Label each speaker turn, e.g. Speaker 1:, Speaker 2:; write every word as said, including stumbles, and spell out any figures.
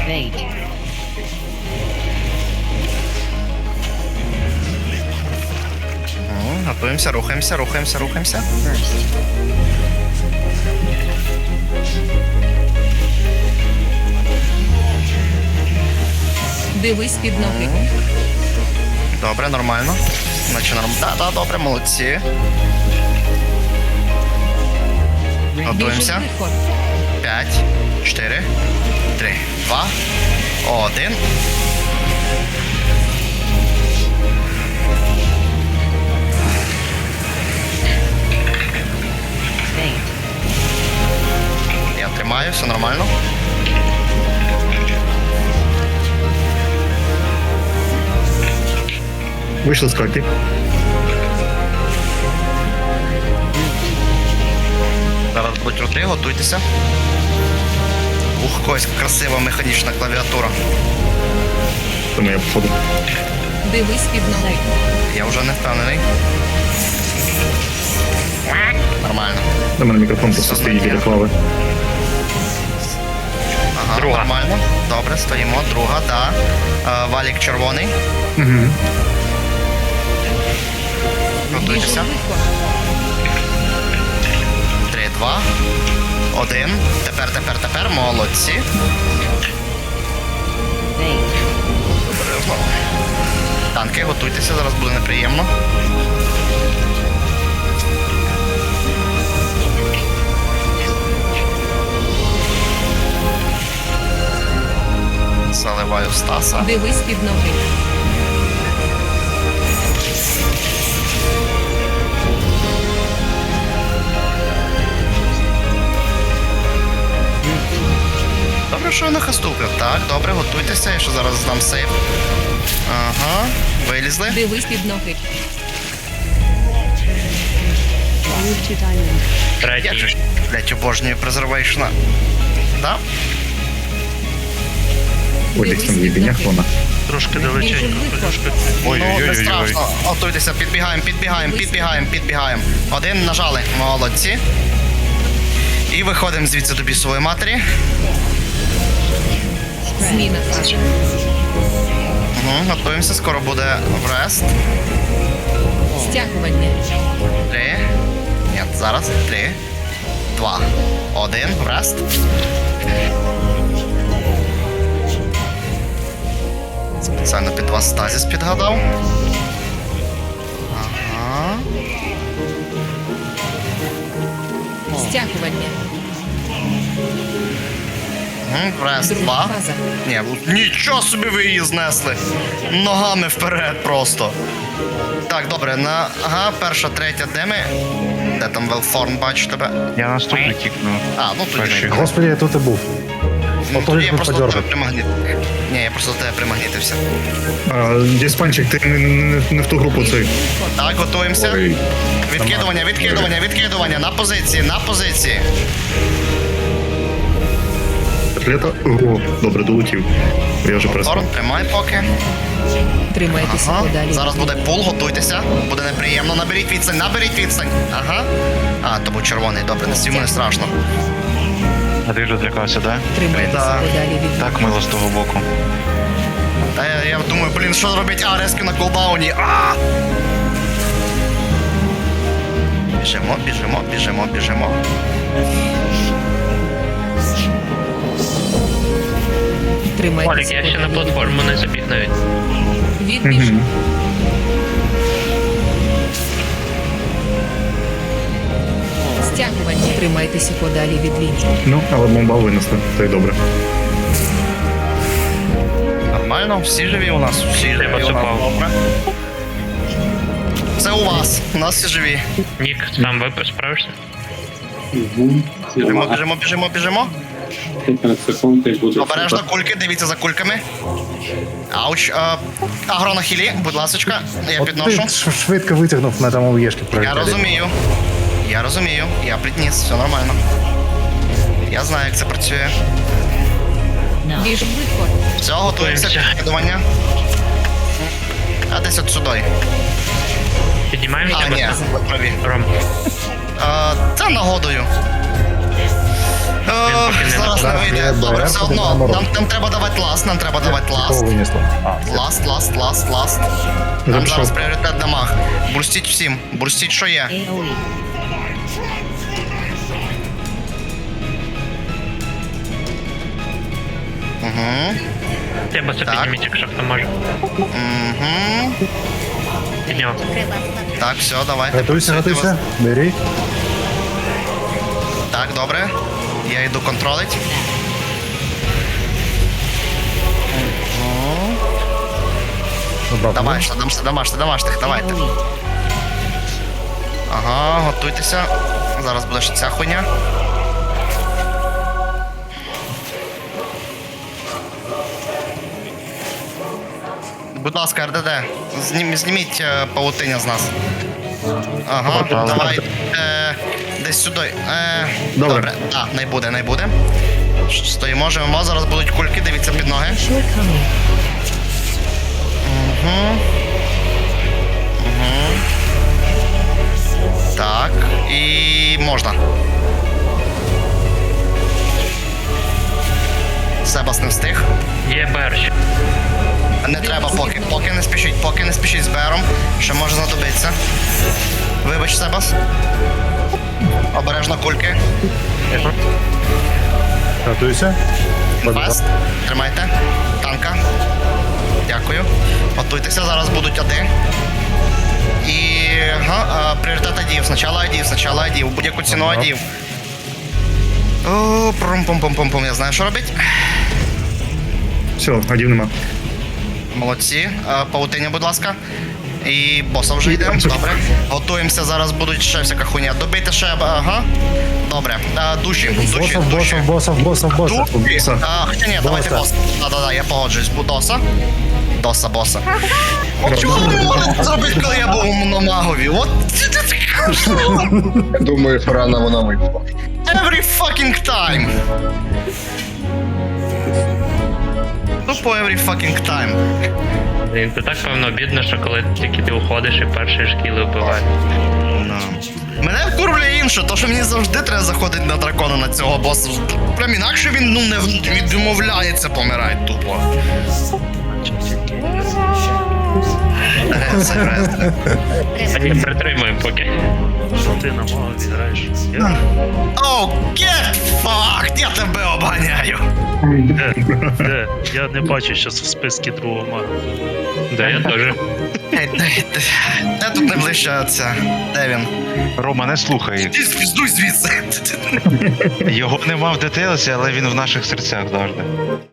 Speaker 1: Eight.
Speaker 2: О, готуємося, рухаємося, рухаємося, рухаємося.
Speaker 1: First.
Speaker 3: Дивись під ноги.
Speaker 2: Добре, нормально. Наче норм. Так, так, добре, молодці. Готуємося.
Speaker 3: Біжи швидко.
Speaker 2: П'ять, чотири, три, два, один.
Speaker 1: Eight.
Speaker 2: Я тримаю, все нормально.
Speaker 4: Вийшли з карти.
Speaker 2: Зараз будуть рути, готуйтеся. Ух, якась красива механічна клавіатура.
Speaker 4: Тому я походу.
Speaker 3: Дивись під ноги.
Speaker 2: Я вже не впевнений. Нормально.
Speaker 4: На мене мікрофон просто стоїть біля клави.
Speaker 2: Ага,
Speaker 5: Друга.
Speaker 2: нормально. Добре, стоїмо. Друга, так. Да. Валік червоний.
Speaker 4: Угу.
Speaker 3: Біжи
Speaker 2: Готуйтеся.
Speaker 3: швидко.
Speaker 2: Три, два, один. Тепер, тепер, тепер. Молодці.
Speaker 1: Eight.
Speaker 2: Обережно. Танки, готуйтеся, зараз буде неприємно. Заливаю Стаса.
Speaker 3: Дивись під ноги.
Speaker 2: Добре, що я на хасту вбив. Так, добре, готуйтеся, я ще зараз здам сейв. Ага, вилізли.
Speaker 3: Дивись під ноги.
Speaker 1: Move to diamond.
Speaker 2: Я
Speaker 5: Третій.
Speaker 2: ж, блять, обожнюю презервейшна. Да?
Speaker 4: Ой, десь там в єбінях вона.
Speaker 5: Трошки
Speaker 3: Біжи
Speaker 5: далеченько.
Speaker 3: швидко.
Speaker 5: Трошки.
Speaker 2: Ну, не
Speaker 5: Ой-ой-ой.
Speaker 2: страшно. Готуйтеся, підбігаємо, підбігаємо, підбігаємо, підбігаємо. Один нажали. Молодці. І виходимо звідси до бісової матері.
Speaker 3: Зміна фази.
Speaker 2: Угу, готуємося, скоро буде врест.
Speaker 3: Стягування.
Speaker 2: Три. Ні, зараз. Три. Два. Один. Врест. Спеціально під вас стазіс підгадав. Ага.
Speaker 3: Стягування.
Speaker 2: Угу, врест.
Speaker 3: Друга
Speaker 2: Два.
Speaker 3: фаза.
Speaker 2: Ні, ну, нічого собі ви її знесли. Ногами вперед просто. Так, добре, на. Ага, перша, третя, де ми? Де там Велфорн, бачу тебе?
Speaker 5: Я наступний кікну.
Speaker 2: А, ну тоді
Speaker 5: Перший.
Speaker 2: не.
Speaker 6: Господи, я тут и был.
Speaker 2: Ну,
Speaker 6: От
Speaker 2: тоді
Speaker 6: тоді
Speaker 2: я
Speaker 6: тут
Speaker 2: просто до
Speaker 6: подергав.
Speaker 2: тебе примагнит. Ні, я просто до тебе примагнітився.
Speaker 4: Діспанчик, ти не, не, не в ту групу цей.
Speaker 2: Так, готуємося.
Speaker 4: Ой.
Speaker 2: Відкидування, відкидування, відкидування. На позиції, на позиції.
Speaker 4: Котлета. О, добре, долетів. Я вже перестав.
Speaker 2: Торн, тримай поки.
Speaker 3: Тримайтеся
Speaker 2: Ага.
Speaker 3: подалі.
Speaker 2: Зараз буде пул, готуйтеся. Буде неприємно. Наберіть відстань, наберіть відстань. Ага. А, то був червоний, добре, не сімо, не страшно.
Speaker 5: А ти вже злякався, да?
Speaker 3: Тримайтеся
Speaker 2: Да.
Speaker 3: подалі від
Speaker 5: Так мило з того боку.
Speaker 2: Та я, я думаю, блін, що робить А, резки на кулдауні. А! Біжимо, біжимо, біжимо, біжимо.
Speaker 3: Тримайтеся
Speaker 7: Олік, я ще на
Speaker 3: подалі.
Speaker 7: платформу не забіг навіть.
Speaker 3: Відбіж.
Speaker 4: Угу.
Speaker 3: Стягування. Тримайтеся подалі від лінії.
Speaker 4: Ну, але бомба винесли, то й добре.
Speaker 2: Нормально, всі живі у нас, всі живі у нас.
Speaker 7: поцупав.
Speaker 2: Добре. Це у вас, у нас всі живі.
Speaker 7: Нік, сам ви справишся?
Speaker 2: Біжимо, біжимо, біжимо, біжимо.
Speaker 8: п'ятнадцять секунд і буде.
Speaker 2: Обережно кульки, дивіться за кульками. Ауч. Е, агро на хілі, будь ласочка, я
Speaker 6: От
Speaker 2: підношу.
Speaker 6: ти ш- швидко витягнув на тому єшки
Speaker 2: Я
Speaker 6: пролетіли.
Speaker 2: розумію. Я розумію, я притніс, все нормально. Я знаю, як це працює.
Speaker 3: Біж швидко.
Speaker 2: Все, готуємося,
Speaker 7: Готуємося.
Speaker 2: підкидування. А десь от сюди.
Speaker 7: Піднімаємося,
Speaker 2: А, ні,
Speaker 7: бо-
Speaker 2: ви праві.
Speaker 7: Ром.
Speaker 2: Е, це нагодою. О,
Speaker 7: поки не
Speaker 2: зараз не
Speaker 6: нападає.
Speaker 2: вийде.
Speaker 6: Є
Speaker 2: Добре,
Speaker 6: БР,
Speaker 2: все
Speaker 6: буде
Speaker 2: одно.
Speaker 6: наоборот.
Speaker 2: Нам, нам треба давати ласт, нам треба давати
Speaker 6: Кого
Speaker 2: ласт.
Speaker 6: винесло?
Speaker 2: Ласт, ласт, ласт, ласт. Нам
Speaker 4: Запішов.
Speaker 2: зараз пріоритет дамаг. Бурстіть всім, бурстіть, що є.
Speaker 1: AoE.
Speaker 2: Угу.
Speaker 7: Треба це
Speaker 2: Так.
Speaker 7: підніміть, якщо хто може.
Speaker 2: Угу.
Speaker 7: Підняв.
Speaker 2: Так, все, давайте.
Speaker 6: Готуйся,
Speaker 2: працюйте
Speaker 6: готуйся.
Speaker 2: вас.
Speaker 6: Бери.
Speaker 2: Так, добре. Я йду контролить.
Speaker 6: Забрав.
Speaker 2: Давай, що дамся, домаште, домашних, давайте.
Speaker 1: AoE.
Speaker 2: Ага, готуйтеся. Зараз буде ще ця хуйня. Будь ласка, РДД, знім, зніміть е, павутиння з нас. Ага,
Speaker 5: Пожалуйста.
Speaker 2: давай. Е, десь сюди. Е,
Speaker 4: Добре.
Speaker 2: добре. Так, не буде, не буде. Ш- Стоїмо, живемо, зараз будуть кульки, дивіться під ноги.
Speaker 3: Shortcoming.
Speaker 2: Угу. Угу. Так, і можна. Себас не встиг.
Speaker 7: Є берч.
Speaker 2: Не треба поки, поки не спішіть, поки не спішіть з Бером, що може знадобитися. Вибач, Себас. Обережно кульки.
Speaker 6: Готуйся.
Speaker 2: Фест. Тримайте. Танка. Дякую. Готуйтеся, зараз будуть ади. І ага, а, пріоритет адів. Спочатку адів, спочатку адів. Будь-яку ціну
Speaker 6: Ага.
Speaker 2: адів. О, прум-пум-пум-пум-пум. Я знаю, що робити.
Speaker 4: Все, адів нема.
Speaker 2: Молодці. А, павутиння, будь ласка. І боса вже йде. Добре. Готуємося, зараз будуть ще всяка хуйня. Добийте ще. Ага. Добре. А, душі, душі,
Speaker 6: Босов,
Speaker 2: душі.
Speaker 6: босов, босов, босов, босов.
Speaker 2: Душі. А, хоча ні, давайте
Speaker 6: Боса.
Speaker 2: боса. Да-да-да, я погоджуюсь. Бу- Доса. Доса, боса. От чого ви не можете зробити, коли я був на магові? От
Speaker 9: Думаю, рано вона вийшла.
Speaker 2: every fucking time. Тупо every fucking time.
Speaker 7: Блін, це так певно бідно, що коли тільки ти уходиш і перші шкіли вбивають.
Speaker 2: Мене вкурвлює інше, то що мені завжди треба заходити на дракона на цього боса. Прям інакше він ну не відмовляється помирати тупо. Рез, рез.
Speaker 7: А ні, притримуємо поки.
Speaker 2: Оу, get fucked! Я тебе обганяю!
Speaker 10: Де? Я не бачу зараз в списку другого мага.
Speaker 7: Да, я теж.
Speaker 2: Ей, Де, де, де тут найближча ця? Де він?
Speaker 5: Рома, не слухай їх.
Speaker 2: Ти звіздуй звідси!
Speaker 5: Його нема в детейлсі, але він в наших серцях завжди.